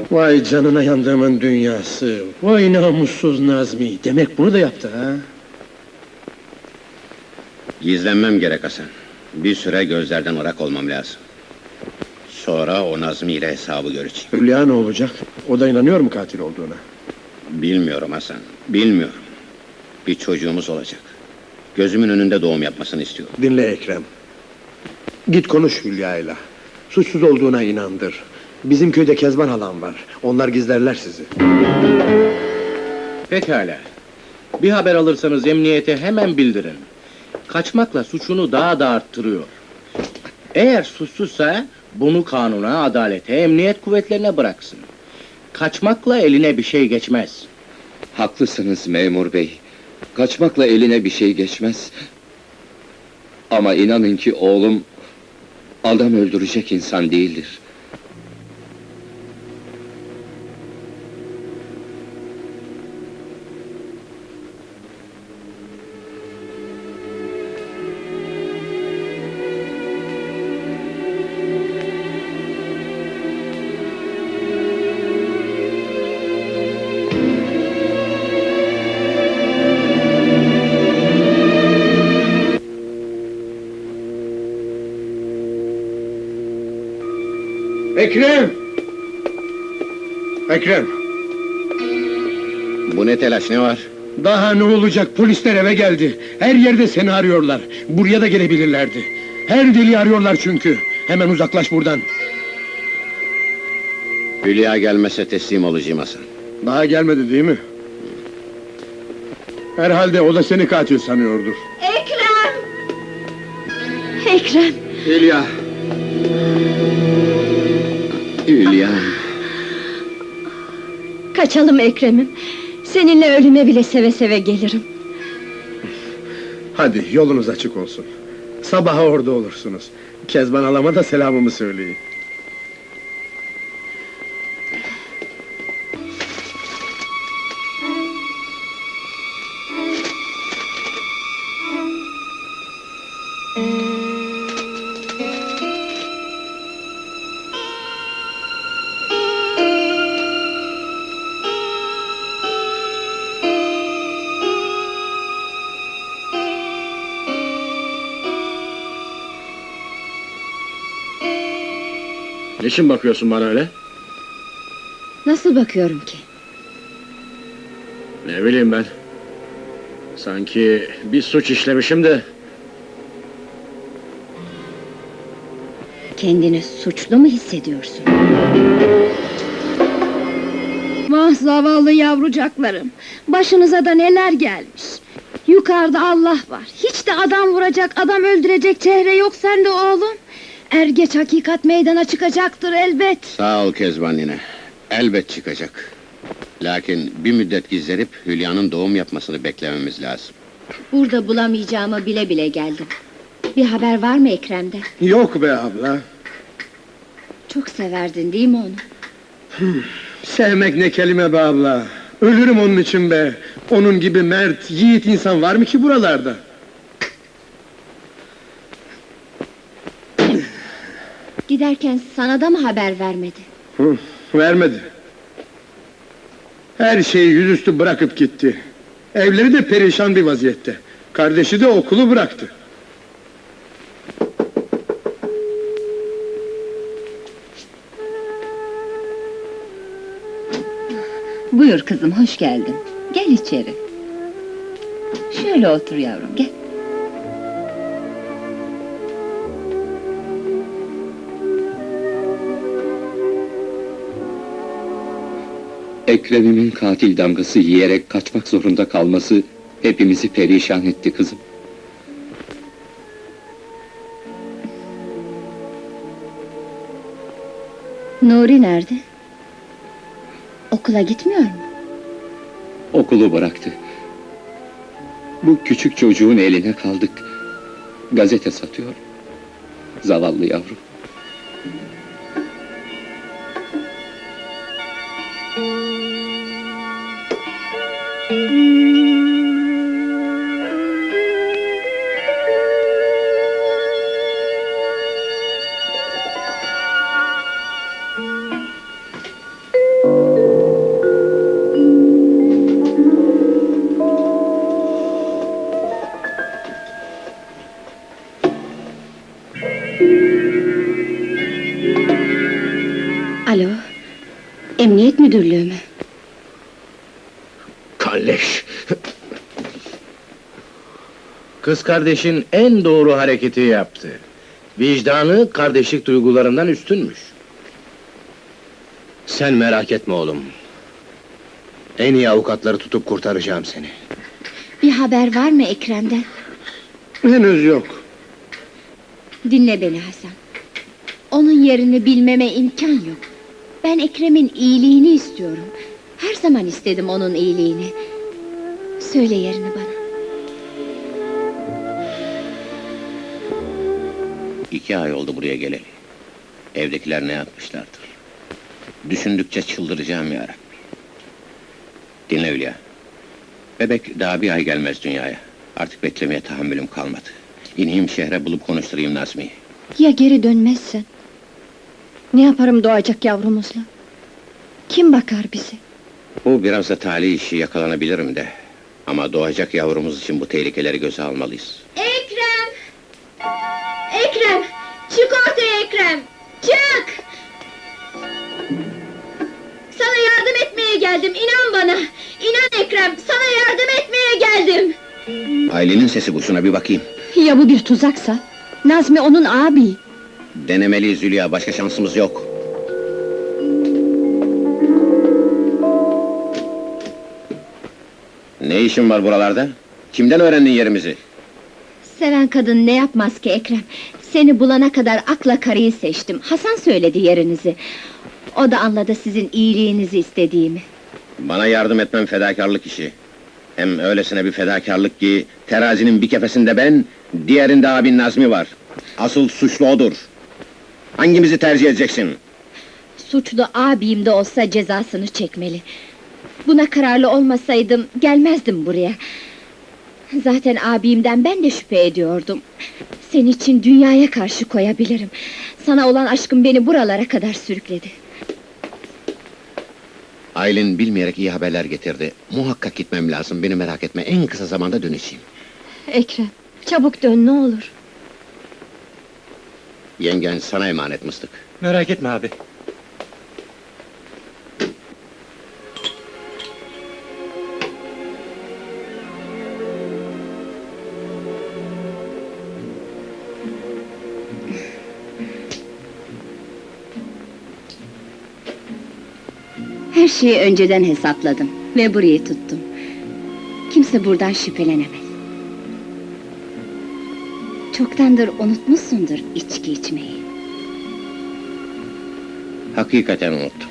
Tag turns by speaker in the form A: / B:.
A: Vay canına yandığımın dünyası! Vay namussuz Nazmi! Demek bunu da yaptı ha?
B: Gizlenmem gerek Hasan. Bir süre gözlerden ırak olmam lazım. Sonra o Nazmi ile hesabı göreceğim.
A: Hülya ne olacak? O da inanıyor mu katil olduğuna?
B: Bilmiyorum Hasan, bilmiyorum. Bir çocuğumuz olacak. Gözümün önünde doğum yapmasını istiyorum.
A: Dinle Ekrem. Git konuş Hülya'yla. Suçsuz olduğuna inandır. Bizim köyde Kezban halam var. Onlar gizlerler sizi.
C: Pekala. Bir haber alırsanız emniyete hemen bildirin. Kaçmakla suçunu daha da arttırıyor. Eğer suçsuzsa bunu kanuna, adalete, emniyet kuvvetlerine bıraksın. Kaçmakla eline bir şey geçmez.
D: Haklısınız memur bey. Kaçmakla eline bir şey geçmez. Ama inanın ki oğlum adam öldürecek insan değildir.
A: Ekrem! Ekrem!
B: Bu ne telaş, ne var?
A: Daha ne olacak? Polisler eve geldi. Her yerde seni arıyorlar. Buraya da gelebilirlerdi. Her deliği arıyorlar çünkü. Hemen uzaklaş buradan.
B: Hülya gelmezse teslim olacağım Hasan.
A: Daha gelmedi değil mi? Herhalde o da seni katil sanıyordur.
E: Ekrem! Ekrem!
A: Hülya!
D: Hülya.
E: Kaçalım Ekrem'im. Seninle ölüme bile seve seve gelirim.
A: Hadi yolunuz açık olsun. Sabaha orada olursunuz. Kezban halama da selamımı söyleyin. Niçin bakıyorsun bana öyle?
E: Nasıl bakıyorum ki?
A: Ne bileyim ben. Sanki bir suç işlemişim de...
E: Kendini suçlu mu hissediyorsun?
F: Vah zavallı yavrucaklarım! Başınıza da neler gelmiş! Yukarıda Allah var! Hiç de adam vuracak, adam öldürecek çehre yok sende oğlum! Er geç hakikat meydana çıkacaktır elbet!
B: Sağ ol Kezban nine. Elbet çıkacak. Lakin bir müddet gizlenip Hülya'nın doğum yapmasını beklememiz lazım.
E: Burada bulamayacağımı bile bile geldim. Bir haber var mı Ekrem'den?
A: Yok be abla.
E: Çok severdin değil mi onu?
A: Sevmek ne kelime be abla. Ölürüm onun için be. Onun gibi mert, yiğit insan var mı ki buralarda?
E: Giderken sana da mı haber vermedi?
A: Vermedi. Her şeyi yüzüstü bırakıp gitti. Evleri de perişan bir vaziyette. Kardeşi de okulu bıraktı.
E: Buyur kızım, hoş geldin. Gel içeri. Şöyle otur yavrum, gel.
D: Ekrem'imin katil damgası yiyerek kaçmak zorunda kalması hepimizi perişan etti kızım.
E: Nuri nerede? Okula gitmiyor mu?
D: Okulu bıraktı. Bu küçük çocuğun eline kaldık. Gazete satıyor. Zavallı yavrum.
E: Emniyet müdürlüğü mü?
A: Kalleş!
C: Kız kardeşin en doğru hareketi yaptı. Vicdanı kardeşlik duygularından üstünmüş.
A: Sen merak etme oğlum. En iyi avukatları tutup kurtaracağım seni.
F: Bir haber var mı Ekrem'den?
A: Henüz yok.
F: Dinle beni Hasan. Onun yerini bilmeme imkan yok. Ben Ekrem'in iyiliğini istiyorum. Her zaman istedim onun iyiliğini. Söyle yerini bana.
B: 2 ay oldu buraya geleli. Evdekiler ne yapmışlardır? Düşündükçe çıldıracağım ya Rabbi. Dinle Hülya. Bebek daha 1 ay gelmez dünyaya. Artık beklemeye tahammülüm kalmadı. İneyim şehre bulup konuşturayım Nazmi'yi.
F: Ya geri dönmezsen? Ne yaparım doğacak yavrumuzla? Kim bakar bize?
B: Bu biraz da talih işi, yakalanabilirim de. Ama doğacak yavrumuz için bu tehlikeleri göze almalıyız.
F: Ekrem! Ekrem! Çık ortaya Ekrem! Çık! Sana yardım etmeye geldim, inan bana! İnan Ekrem, sana yardım etmeye geldim!
B: Aylin'in sesi bu, şuna bir bakayım.
F: Ya bu bir tuzaksa? Nazmi onun abi!
B: Denemeliyiz Hülya, başka şansımız yok. Ne işin var buralarda? Kimden öğrendin yerimizi?
F: Seven kadın ne yapmaz ki Ekrem? Seni bulana kadar akla karıyı seçtim. Hasan söyledi yerinizi. O da anladı sizin iyiliğinizi istediğimi.
B: Bana yardım etmem fedakarlık işi. Hem öylesine bir fedakarlık ki... ...terazinin bir kefesinde ben... ...diğerinde abin Nazmi var. Asıl suçlu odur. Hangimizi tercih edeceksin?
F: Suçlu abim de olsa cezasını çekmeli. Buna kararlı olmasaydım gelmezdim buraya. Zaten abimden ben de şüphe ediyordum. Senin için dünyaya karşı koyabilirim. Sana olan aşkım beni buralara kadar sürükledi.
B: Aylin bilmeyerek iyi haberler getirdi. Muhakkak gitmem lazım, beni merak etme. En kısa zamanda döneceğim.
F: Ekrem, çabuk dön ne olur.
B: Yengen sana emanet Mıstık.
A: Merak etme abi.
E: Her şeyi önceden hesapladım ve burayı tuttum. Kimse buradan şüphelenemez. Çoktandır unutmuşsundur içki içmeyi.
B: Hakikaten unuttum.